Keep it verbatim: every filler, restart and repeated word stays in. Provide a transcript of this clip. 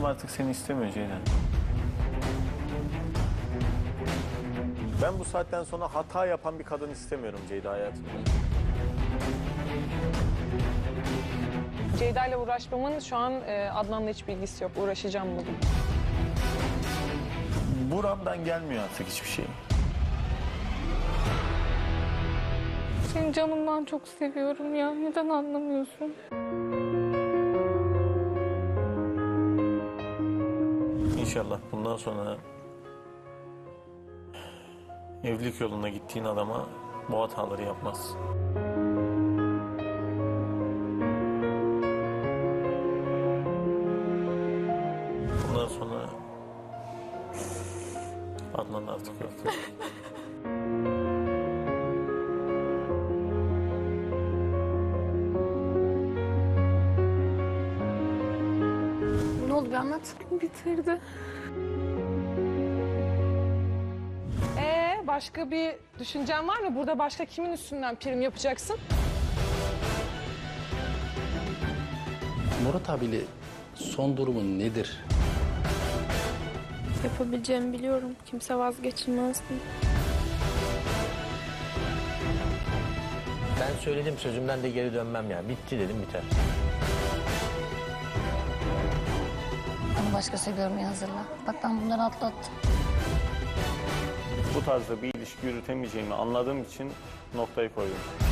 Canım artık seni istemiyor Ceylan. Ben bu saatten sonra hata yapan bir kadın istemiyorum Ceyda hayatımda. Ceyda ile uğraşmamın şu an e, Adnan'la hiç bilgisi yok. Uğraşacağım bugün. Buramdan gelmiyor artık hiçbir şey. Seni canımdan çok seviyorum ya. Neden anlamıyorsun? İnşallah bundan sonra evlilik yoluna gittiğin adama bu hataları yapmaz. Bundan sonra Adnan artık yok. Ne oldu bir anlat. Bitirdi. Ee, başka bir düşüncen var mı? Burada başka kimin üstünden prim yapacaksın? Murat abiyle son durumun nedir? Yapabileceğimi biliyorum. Kimse vazgeçilmezdi. Ben söyledim, sözümden de geri dönmem yani. Bitti dedim, biter. Onu başkası görmeye hazırla. Bak ben bunları atlattım. Bu tarzda bir ilişki yürütemeyeceğimi anladığım için noktayı koydum.